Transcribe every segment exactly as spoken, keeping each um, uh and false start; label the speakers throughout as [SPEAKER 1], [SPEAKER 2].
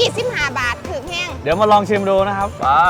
[SPEAKER 1] ยี่สิบห้าบาทถึงแห้ง
[SPEAKER 2] เดี๋ยวมาลองชิมดูนะครับป้า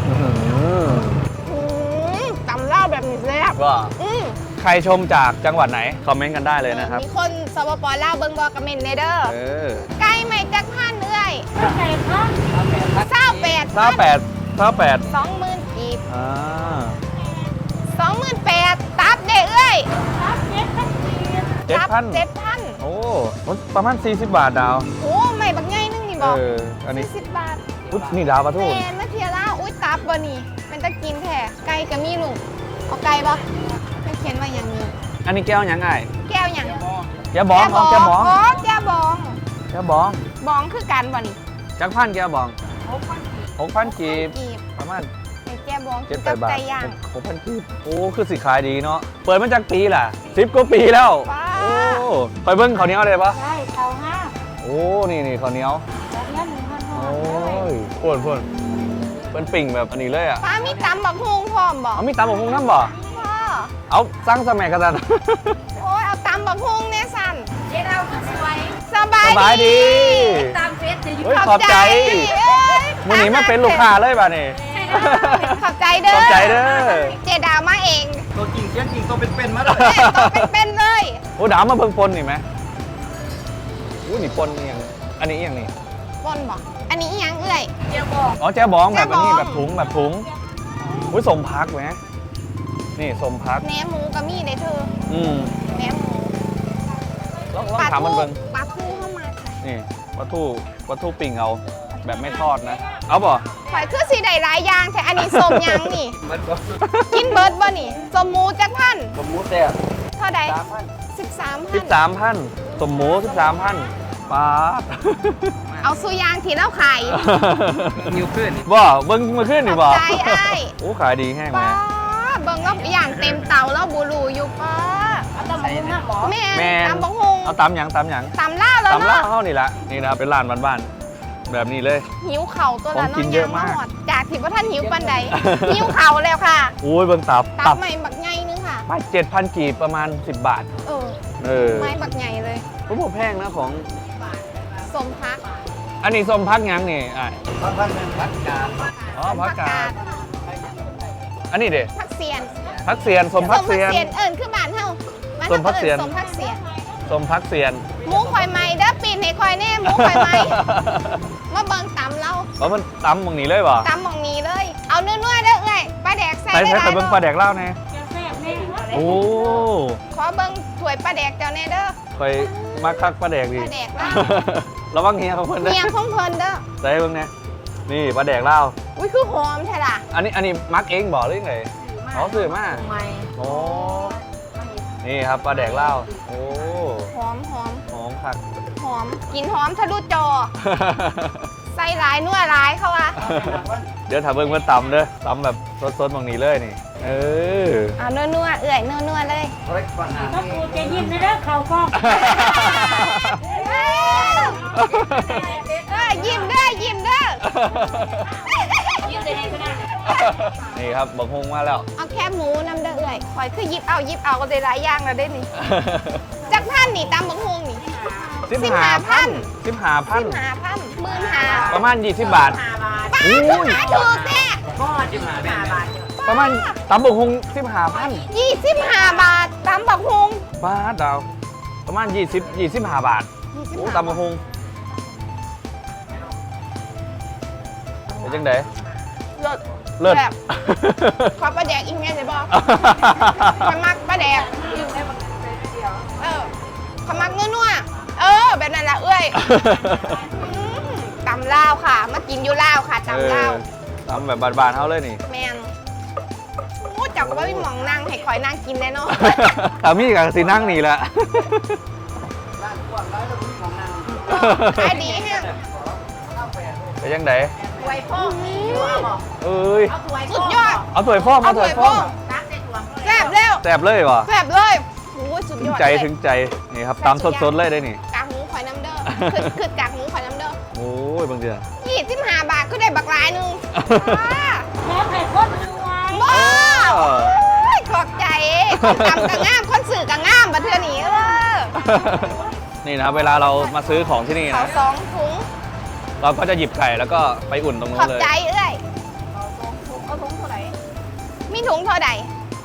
[SPEAKER 1] ตำเล่าแบบนี้แซ่บ
[SPEAKER 2] ว่าใครชมจากจังหวัดไหนคอมเมนต์กันได้เลยนะครับ
[SPEAKER 1] มีคนสปปลาวเบิ้งบอกระเมนเนเดอร์ไก่ไม่จักพันเอ้ยไก่พันเศร้าแปด
[SPEAKER 2] เศร้าแปดเศร้าแปด
[SPEAKER 1] สองหมื่นกีบ
[SPEAKER 2] อ่า
[SPEAKER 1] สองหมื่นแปดตับเด้เอ้ยตับเจ็ดพัน
[SPEAKER 2] เจ็ดพัน
[SPEAKER 1] เจ็ดพัน
[SPEAKER 2] โอ้ประมาณสี่สิบบาทดาว
[SPEAKER 1] โอ้ไม่บักง่ายนึงนี่บอก
[SPEAKER 2] เอออันนี้
[SPEAKER 1] สี่สิบบาท
[SPEAKER 2] อุ๊ยนี่ดาวปะทุก
[SPEAKER 1] แมนมาเทียร่าอุ้ยตับบ่นี่มันจะกินแท้ไก่กะมีลุงเอาไก่ปะไม่เขียนว่าอย่างนี้
[SPEAKER 2] อันนี้แก้วยังไง
[SPEAKER 1] แก้วอย่าง
[SPEAKER 2] แก้วบองอ๋อแก้วบอง
[SPEAKER 1] อ๋อแก้วบอง
[SPEAKER 2] แก้วบอง
[SPEAKER 1] บองคือกันบ่นี่
[SPEAKER 2] จักพันแก้วบองหกพันกีบประมาณ
[SPEAKER 1] แก้วบอง
[SPEAKER 2] เจ็ดแปดบาทหกพันกีบโอ้คือสิขายดีเนาะเปิดมาจากปีล่ะสิบกว่าปีแล้วโอ้ไปเบิ้งข้าวเหนียวเลยปะ
[SPEAKER 1] ใช่ข้าวห้า
[SPEAKER 2] โอ้นี่นี่ข้าวเหนียวโอ้ยพ่นพ่นเป็นปิ่งแบบอันนี้เลยอ่ะ
[SPEAKER 1] ป้ามีตำบักฮุงพร้อมบ่
[SPEAKER 2] เอามีตำบักฮุงน้ำบ่เอาสั่งสมัยกันนะ
[SPEAKER 1] โอ้ยเอาตำบักฮุงเนี่ยสั่นเจ๊เราสวยส
[SPEAKER 2] บายดี
[SPEAKER 1] ตามเฟซจะ
[SPEAKER 2] อยู่ขอบใจมื้อนี้มาเป็นลูกค้าเลยป่ะนี่
[SPEAKER 1] ขอบใจเด้อ
[SPEAKER 2] ขอบใจเด้อ
[SPEAKER 1] เจดาวมาเอง
[SPEAKER 3] ตัวจริงเสียงจริงตัวเป็นๆมาเลย
[SPEAKER 1] ตัวเป็นๆเลย
[SPEAKER 2] โอ้ดาวมาเบิ่งปนนี่ไหมอู้นี่ปนนี่ยังอันนี้ยังนี่
[SPEAKER 1] ปนบ่อันนี้ยังเอ้ย
[SPEAKER 2] แจ่บองอ๋อแจ่บองแบบนี้แบบถุงแบบถุงอุ้ยสมพักไหมนี่สมพัก
[SPEAKER 1] แหนมหมูก็มีเด้เธอ
[SPEAKER 2] อืม
[SPEAKER 1] แหนมหมู
[SPEAKER 2] ลองลองถามมันเบิ่ง
[SPEAKER 1] ปลาทูเข้ามา
[SPEAKER 2] นี่ปลาทูปลาทูปิ่งเอาแบบไม่ทอดนะเอาบ่
[SPEAKER 1] ข่อยคือสีใดหลายอย่างแต่อันนี้สมยังนี่กินเบิร์ดบ่นี่สมหมูจักพัน
[SPEAKER 3] สมหมูแซ่บ
[SPEAKER 1] เท่าใดสิบสามพัน
[SPEAKER 2] สิบสามพันสมหมูสิบสามพันปลา
[SPEAKER 1] เอาสุยางที่เราขาย
[SPEAKER 3] นิ้วขึ้น
[SPEAKER 2] บ่เบิ้งมาขึ้นนี่บ่
[SPEAKER 1] ใจไอ้
[SPEAKER 2] โอ้ขายดีแห้งไหม
[SPEAKER 1] เบิ้งเราอย่างเต็มเตาแล้วบูรูอยู่ป้าเอาตำบักหุ่งนะหมอแม่ตำบักหุ่ง
[SPEAKER 2] เอาตำหยังตำหยัง
[SPEAKER 1] ตำล่าแล้ว
[SPEAKER 2] ตำล่าเข้านี่ละนี่นะเป็นร้านบ้านๆแบบนี้เลย
[SPEAKER 1] หิวเข่าตัวละน้อย
[SPEAKER 2] เยอะมาก
[SPEAKER 1] จากที่ว่าท่านหิวปันใดหิวเข่าแล้วค่ะ
[SPEAKER 2] โอ้ยเบิ้งตับ
[SPEAKER 1] ตับใหม่บักใหญ่นึงค่ะ
[SPEAKER 2] ไม่เจ็ดพันกีบประมาณสิบบาท
[SPEAKER 1] เออ
[SPEAKER 2] เออ
[SPEAKER 1] ไม่บักใหญ่เลย
[SPEAKER 2] ผมบอกแพงนะของ
[SPEAKER 1] สมพัก
[SPEAKER 2] อันนี้สมพักยังนี่อ่ะ
[SPEAKER 3] พักพักเป็นพักกาด
[SPEAKER 2] อ๋อพักกาดอันนี้เด้
[SPEAKER 1] พักเซียน
[SPEAKER 2] พักเซียนสมพักเซียน
[SPEAKER 1] เอิญคือบ้านเฮา
[SPEAKER 2] สมพักเซียน
[SPEAKER 1] สมพักเซียน
[SPEAKER 2] สมพักเซียน
[SPEAKER 1] หมูข่อยไม้เด้อปีนให้ข่อยแน่หมูข่อยไม้มาเบิ่งตำเรา
[SPEAKER 2] เพราะมันตำมองนี้เลยป่ะ
[SPEAKER 1] ตำมองนี้เลยเอาเนื้อๆเด้อเอ้ยปลาแดกใส่
[SPEAKER 2] ได้ใส่ไปเบิ่งปลาแดกเล่าแน่โอ้
[SPEAKER 1] ขอเบิ่งถ้วยปลาแดกเจ้าแน่เด้อ
[SPEAKER 2] คอยมาคักปลาแดกดิ
[SPEAKER 1] ปลาแดกเล่า
[SPEAKER 2] ระวังเฮียของเพิ่น
[SPEAKER 1] เฮียของเพิ่นเด้อ
[SPEAKER 2] ใส่เบิ่งแน่นี่ปลาแดกเล่า
[SPEAKER 1] อุ้ยคือหอมแท้ล่ะ
[SPEAKER 2] อันนี้อันนี้มักเองบอกหรือไงอ๋อซื้อมาโอ้นี่ครับปลาแดกเล่าโอ้
[SPEAKER 1] หอมหอม
[SPEAKER 2] หอมคัก
[SPEAKER 1] หอมกินหอมทะลุจอใส่หลายนัวหลายเขาอะ
[SPEAKER 2] เดี๋ยวถ้าเบิ่งเพิ่นตำเด้อตำแบบสดๆบางนี้เลยนี่เออ
[SPEAKER 1] เอานัวๆเอื่อยนัวๆเลย
[SPEAKER 4] ถ้ากูจะยิ้มนะเด้อเขาก็
[SPEAKER 1] เออยิ้มเด้อยิ้มเด้อ
[SPEAKER 4] ยิ้มได้ขนาด
[SPEAKER 2] นี่ครับบักฮุงมาแล้ว
[SPEAKER 1] เอาแค่หมูน้ำเด้อเอื่อยคอยคือยิบเอายิบเอาก็ได้หลายอย่างแล้วได้นี่จากพันนี่ตามบักฮุงนี่
[SPEAKER 2] สิบห้าพันสิบห้าพัน
[SPEAKER 1] สิบห้าพันหมื่นห้า
[SPEAKER 2] ประมาณยี่สิบบาท
[SPEAKER 1] โอ้ยถูกแท้
[SPEAKER 3] สิบห้าบาท
[SPEAKER 2] ประมาณตำบักฮุงสิบห้าพัน
[SPEAKER 1] ยี่สิบห้าบาทตำบักฮุง
[SPEAKER 2] บาทดาวประมาณยี่สิบยี่สิบห้าบาทโอ้ตำบักฮุงเป็นจังได
[SPEAKER 1] เลิศ
[SPEAKER 2] เลิศ
[SPEAKER 1] ขอปลาแดกอีกไงเลยบอกขมักปลาแดกเออขมักนัวๆเออแบบนั้นแหละเอ้ยตำลาวค่ะมากินอยู่ลาวค่ะตำลาว
[SPEAKER 2] ตำแบบบานๆเขาเลยนี่
[SPEAKER 1] แมนโอ้จักว่าพี่หมองนั่งให้คอยนั่งกินได้เนาะ
[SPEAKER 2] ตามีกับสีนั่งนี่แหละ
[SPEAKER 1] ขายดีฮะ
[SPEAKER 2] ไปยังไง
[SPEAKER 1] ไวพ่อ
[SPEAKER 2] เอ้ย
[SPEAKER 1] สุดยอด
[SPEAKER 2] เอาถ้วยพ่อมาถ้วยพ่อ
[SPEAKER 1] แซ่บเร็ว
[SPEAKER 2] แซ่บเลยวะ
[SPEAKER 1] แซ่บเลยโอ้สุดยอด
[SPEAKER 2] ใจถึงใจนี่ครับตำสดๆเลยได้นี่
[SPEAKER 1] กากหมูข่อยน้ำเด้อคือคือกากหมูข่อยน้ำเด้อ
[SPEAKER 2] โอ้ยบางเดือน
[SPEAKER 1] ยี่สิบห้าบาทก็ได้บักหลายนึง
[SPEAKER 4] แม่ไข่ข้นรวย
[SPEAKER 1] บ้าขอบใจคนตำกะง่ามคนสื่อกะง่ามบัดเทื่อนี้เออ
[SPEAKER 2] นี่นะเวลาเรามาซื้อของที่นี่นะ
[SPEAKER 1] เขาสองถุง
[SPEAKER 2] เราก็จะหยิบไก่แล้วก็ไปอุ่นตรงนู้
[SPEAKER 1] ขอน บ
[SPEAKER 2] เลย
[SPEAKER 1] ใจเอ้ยเอาถุงเอาถุงเท่าไหร่มีถุงเท่าใด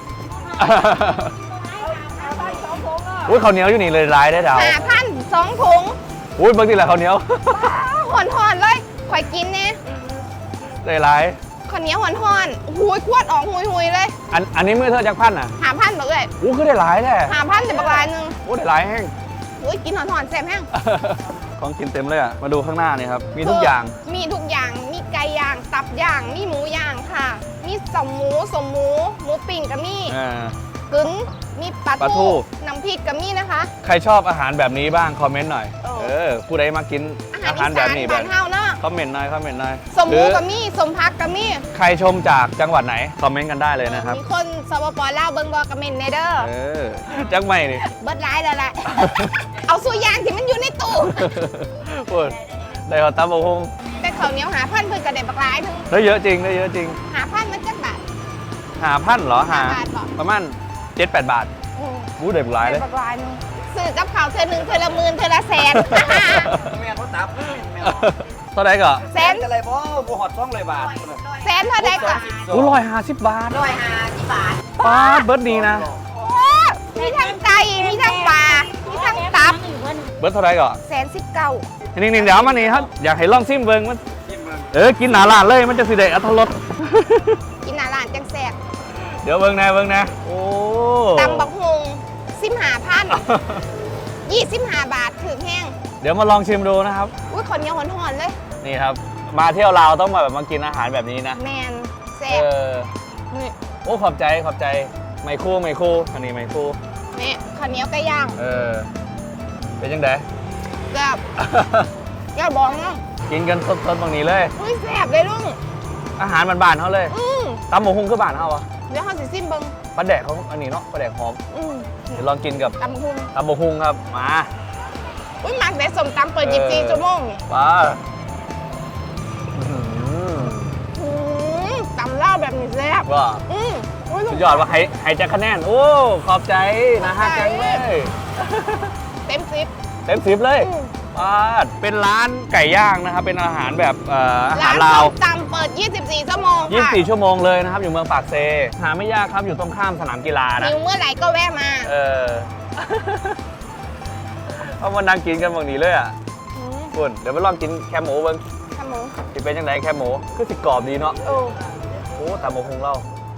[SPEAKER 1] เอาไปสองถุงอ่ะ
[SPEAKER 2] อุ้ยข้าวเหนียวอยู่นี่เลยร้ายได้ดาว
[SPEAKER 1] ห้าพันสองถุง
[SPEAKER 2] อุ้ยบางทีแหละข้าวเหนียว
[SPEAKER 1] หอนหอนๆเลยข่อยกินเนี่ย
[SPEAKER 2] เลยร้าย
[SPEAKER 1] ข้าวเหนียวหอนหอนๆหุยขวดออกหุยหุยๆเลย
[SPEAKER 2] อันอันนี้มือเธอจักพันอ่ะ
[SPEAKER 1] หาพันบอกเลย
[SPEAKER 2] อู้คือได้ร้ายแท้
[SPEAKER 1] หาพันแต่บักลายหนึง
[SPEAKER 2] อู้ได้ร้ายแห้ง
[SPEAKER 1] อุ้ยกินหอนหอนๆแซ่บแห้ง
[SPEAKER 2] ของกินเต็มเลยอ่ะมาดูข้างหน้านี่ครับมีทุกอย่าง
[SPEAKER 1] มีทุกอย่าง มีไก่ย่าง ตับย่าง มีหมูย่างค่ะ มีสมหมูสมหมู หมูปิ่งก็มี
[SPEAKER 2] อ่า
[SPEAKER 1] กึ๋นมีปลา
[SPEAKER 2] ปลาทู
[SPEAKER 1] ทูน้ำพริกก็มีนะคะ
[SPEAKER 2] ใครชอบอาหารแบบนี้บ้างคอมเมนต์หน่อย
[SPEAKER 1] เออ
[SPEAKER 2] เออผู้ใดมากิน
[SPEAKER 1] อาหาร
[SPEAKER 2] อาหาร
[SPEAKER 1] อี
[SPEAKER 2] แบ
[SPEAKER 1] สา
[SPEAKER 2] บ
[SPEAKER 1] น
[SPEAKER 2] นี้แบ
[SPEAKER 1] บ้า
[SPEAKER 2] บ
[SPEAKER 1] นเฮาเนาะ
[SPEAKER 2] คอมเมนต์หน่อยคอมเมนต์หน่อย
[SPEAKER 1] สมห
[SPEAKER 2] ห
[SPEAKER 1] มู
[SPEAKER 2] รือ
[SPEAKER 1] ก็มี สมพักก็มี
[SPEAKER 2] ใครชมจากจังหวัดไหนคอมเมนต์กันได้เลยนะครับ
[SPEAKER 1] มีคนสปปลาวเบิ่งบอกกระเมนเนเดอร์
[SPEAKER 2] เออจักไม่นี่
[SPEAKER 1] เบิดร้ายแล้วแหละ เอาสุยางที่มันอยู่ในตู้
[SPEAKER 2] พูดได้หอตาบง
[SPEAKER 1] แต่ข้าวเหนียวหาพันเพิ่นกระเด็นบักร้ายหนึง
[SPEAKER 2] ได้เยอะจริงได้เยอะจริง
[SPEAKER 1] หาพันมันจักบาท
[SPEAKER 2] หาพันเหรอหา
[SPEAKER 1] ห้าบาทเหรอ
[SPEAKER 2] ประมาณเจ็ดแปดบาท
[SPEAKER 1] อืม
[SPEAKER 2] อู้เด็กหลายเลย
[SPEAKER 1] ได้บักร้ายหนึงซื้อกับข้าวเธอหนึ่งเธอละหมื่นเธอละแสน
[SPEAKER 3] แม่เขาตับแม่
[SPEAKER 2] เท่าไหร่ก็
[SPEAKER 1] แสน
[SPEAKER 3] อะไรบ่บ่หอดซ่องเลยบาท
[SPEAKER 1] แสนเท่าใดก็
[SPEAKER 2] อู้ร้อยห้าสิบบาท
[SPEAKER 3] ร้อยห้าสิบบาท
[SPEAKER 2] ป้าดเบิร์ดดีนะ
[SPEAKER 1] โอ้มีทั้งไก่ มีทั้งปลา มีทั้งตับ
[SPEAKER 2] เบิร์ดเท่าไหร่ก็
[SPEAKER 1] แสนสิบเก้า
[SPEAKER 2] นิ่งๆเดี๋ยวมานี่ครับอยากให้ลองซิมเบิงมันเออกินหนาลานเลยมันจะสิได้อัตรส
[SPEAKER 1] กินหน้าร้านจังแสบ
[SPEAKER 2] เดี๋ยวเบิงนะเบิงนะโอ้
[SPEAKER 1] ตำบักฮงสิบห้าพันยี่สิบห้าบาทถึงแห้ง
[SPEAKER 2] เดี๋ยวมาลองชิมดูนะครับ
[SPEAKER 1] อุ้ยคนเหนียวหอนๆเลย
[SPEAKER 2] นี่ครับ มาเที่ยวลาวต้องมาแบบมากินอาหารแบบนี้นะ
[SPEAKER 1] แมนแส
[SPEAKER 2] เอบ อ
[SPEAKER 1] นี่
[SPEAKER 2] โอ้ขอบใจขอบใจไม่คู่ไม่คู่อันนี้ไม่คู่
[SPEAKER 1] นี่ข้าวเหนียวไก่ย่าง
[SPEAKER 2] เออเป็นยังไง
[SPEAKER 1] แซ่บอย่าบอกนะ
[SPEAKER 2] กินกันสดๆตรงนี้เลย
[SPEAKER 1] อุ้ยแซ่บเลยลุง
[SPEAKER 2] อาหารบ้านๆเขาเลย
[SPEAKER 1] อืม
[SPEAKER 2] ตำหมูหุ้งคือบ้านเขาอะ
[SPEAKER 1] เดี๋ยวเขาสิซิมเบิง
[SPEAKER 2] ปลาแดกเขาอันนี้เนาะปลาแดกหอม
[SPEAKER 1] อืม
[SPEAKER 2] เดี๋ยวลองกินกับ
[SPEAKER 1] ตำบักฮง
[SPEAKER 2] ตำหมูหุ้งครับมา
[SPEAKER 1] อุ้ยหมักได้สมตำเปิดยี่สิบสี่ชั่วโมงนี่
[SPEAKER 2] ป้าอื้อหือ
[SPEAKER 1] อืมตำเหล้าแบบนี้แซ่บ
[SPEAKER 2] ว่า
[SPEAKER 1] อืมอุ้ยลุ
[SPEAKER 2] สุ
[SPEAKER 1] ง
[SPEAKER 2] ดยอดว่าใครใครจะคะแนน โอ้ ขอบใจนะฮะ
[SPEAKER 1] ขอบใจ
[SPEAKER 2] จังเลย
[SPEAKER 1] เต็มสิบ
[SPEAKER 2] เต็มสิบเลย
[SPEAKER 1] อืม
[SPEAKER 2] ป้าดเป็นร้านไก่ย่างนะครับ เป็นอาหารแบบเอ่ออาหาร
[SPEAKER 1] ร้าน
[SPEAKER 2] ลาว
[SPEAKER 1] ส้มตำเปิดยี่สิบสี่ชั่วโมงค่ะ
[SPEAKER 2] ยี่สิบสี่ชั่วโมงเลยนะครับ อยู่เมืองปากเซ หาไม่ยากครับ อยู่ตรงข้ามสนามกีฬานะ
[SPEAKER 1] หิวเมื่อไหร่ก็แวะมา
[SPEAKER 2] เออ เอามานั่งกินกันบางนี้เลยอ่ะ
[SPEAKER 1] อืม
[SPEAKER 2] คุณเดี๋ยวไปลองกินแคมหมูเบิ้ง
[SPEAKER 1] ขมู
[SPEAKER 2] สิเป็นยังไงแคมหมูคือสิกรอบดีเนาะ
[SPEAKER 1] โอ้
[SPEAKER 2] โอ้ตามหมูคงเล่า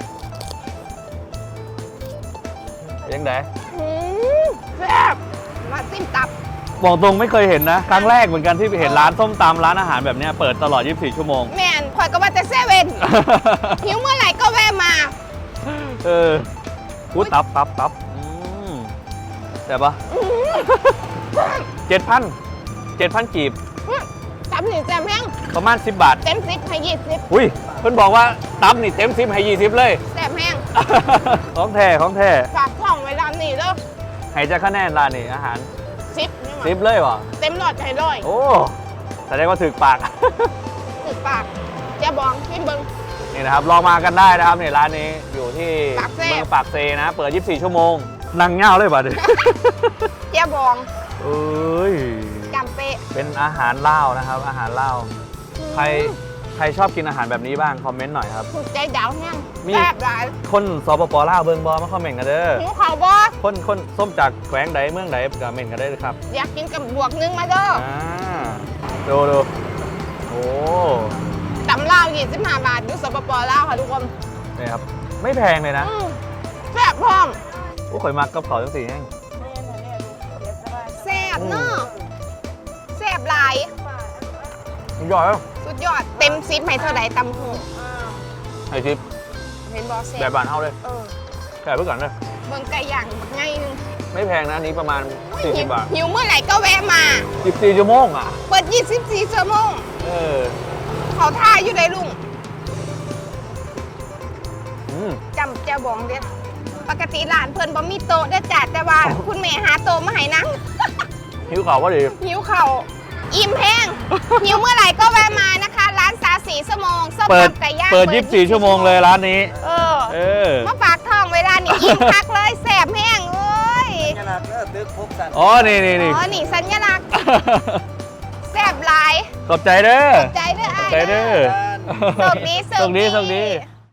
[SPEAKER 2] เป็นยังไง
[SPEAKER 1] อืมแซ่บมาซิมตับ
[SPEAKER 2] บอกตรงไม่เคยเห็นนะ ครั้งแรกเหมือนกันที่ไปเห็นร้านส้มตำร้านอาหารแบบเนี้ยเปิดตลอด ยี่สิบสี่ ชั่วโมง
[SPEAKER 1] แมนข่อยก็ว่าแต่เซเว่น หิวเมื่อไหร่ก็แวะมา
[SPEAKER 2] เออพูดตับตับตับอืมแต่ปะเจ็ดพันเจ็ดพันกีบ
[SPEAKER 1] ตับหนึ่งแซ่บแห้ง
[SPEAKER 2] ประมาณสิบบาท
[SPEAKER 1] เต็มสิบให้ยี่สิบ
[SPEAKER 2] อุ้ยเพิ่นบอกว่าตับนี่เต็มสิบให้ยี่สิบเลย
[SPEAKER 1] แซ่บแห้ง
[SPEAKER 2] ของแท้ของแท้
[SPEAKER 1] ฝากท้องไว้ร้านนี้เด้อ
[SPEAKER 2] ให้จะคะแนนร้านนี้อาหาร
[SPEAKER 1] สิบนี่หว่า
[SPEAKER 2] สิบเลยวะ
[SPEAKER 1] เต็มหลอดใจร้อย
[SPEAKER 2] โอ้แสดงว่าถึกปาก
[SPEAKER 1] ถึกปากเจะบองชิมเบิง
[SPEAKER 2] นี่นะครับลองมากันได้นะครับนี่ร้านนี้อยู่ที่
[SPEAKER 1] ปากเซ่
[SPEAKER 2] เมืองปากเซนะ เปิด ยี่สิบสี่ ชั่วโมง นั่งเง่าเลยป่ะเดี๋ยว
[SPEAKER 1] เจะบอง
[SPEAKER 2] เอ้ย
[SPEAKER 1] จำเป๊ะ
[SPEAKER 2] เป็นอาหารลาวนะครับ อาหารลาวใครใครชอบกินอาหารแบบนี้บ้างคอมเมนต์หน่อยครับ
[SPEAKER 1] ถูกใจดาวแห้ง
[SPEAKER 2] มี
[SPEAKER 1] แซ่บหลาย
[SPEAKER 2] คนสปปลาวเบิงบอมาคอมเมนต์กันเด้อ
[SPEAKER 1] หิวข่าวบ่
[SPEAKER 2] คนคนส้มจากแขวงใดเมืองใดก็เมนต์กันได้เลยครับ
[SPEAKER 1] อยากกินกับบวกนึงมาเด้อ
[SPEAKER 2] อ่าดูดูโอ้
[SPEAKER 1] ตำลาวยี่สิบห้าบาทอยู่สปปลาวค่ะทุกคน
[SPEAKER 2] นี่ครับไม่แพงเลยนะ
[SPEAKER 1] อืมแซ่บพร้อม
[SPEAKER 2] โอ้ข่อยมักกับเขาวจังสีแห้ง
[SPEAKER 1] แซ่บเนาะแซ่บหลาย
[SPEAKER 2] ยอดแล้ว
[SPEAKER 1] สุดยอดเต็มซิปให้เท่าไหร่ตำหู
[SPEAKER 2] ไอทิป
[SPEAKER 1] เห็นบอแซ่
[SPEAKER 2] แบบบานเท่าเลย
[SPEAKER 1] เออ
[SPEAKER 2] แค่เพื่อก่อนเลย
[SPEAKER 1] เบิ่งไก่ย่างไงนึง
[SPEAKER 2] ไม่แพงนะอันนี้ประมาณ
[SPEAKER 1] หิ
[SPEAKER 2] สี่สิ
[SPEAKER 1] ว
[SPEAKER 2] บบาท
[SPEAKER 1] หิวเมื่อไหร่ก็แวะมา
[SPEAKER 2] สิบสี่ชั่วโมงอ่ะ
[SPEAKER 1] เปิดยี่สิบสี่ชั่วโมง
[SPEAKER 2] เออ
[SPEAKER 1] เขาท่าอยู่ในลุง
[SPEAKER 2] อืม
[SPEAKER 1] จำเจ้าบองเด็ดปกติร้านเพิ่นบ่มีโต๊ะเด้อจ้ะแต่ว่าคุณแม่หาโต๊ะมาให้นั่ง
[SPEAKER 2] หิวข่าวว่าดี
[SPEAKER 1] หิวเข่าวอิ่มแห้ง หิวเมื่อไหร่ก็แวะมานะคะ ร้านสาสีสมองส้ม
[SPEAKER 2] เปิด
[SPEAKER 1] ตำไก่ย่าง
[SPEAKER 2] เปิดยี่สิบสี่ชั่วโมงเลยร้านนี้
[SPEAKER 1] เออ
[SPEAKER 2] เออ
[SPEAKER 1] มาฝากทองเวลานี่อิ่มคักเลยแสบแห้งเอ้ย
[SPEAKER 3] ขนาดเลิกตึกพบกัน
[SPEAKER 2] อ๋อ นี่นี่นี่
[SPEAKER 1] อ๋อนี่สัญลักษณ์แสบหลายใจ
[SPEAKER 2] ขอบใจเด้อ
[SPEAKER 1] ใจเด้อ
[SPEAKER 2] ขอ
[SPEAKER 1] อ้า
[SPEAKER 2] บ
[SPEAKER 1] ย
[SPEAKER 2] ใจเด้อ
[SPEAKER 1] โชคดี
[SPEAKER 2] โชคดีโชคดี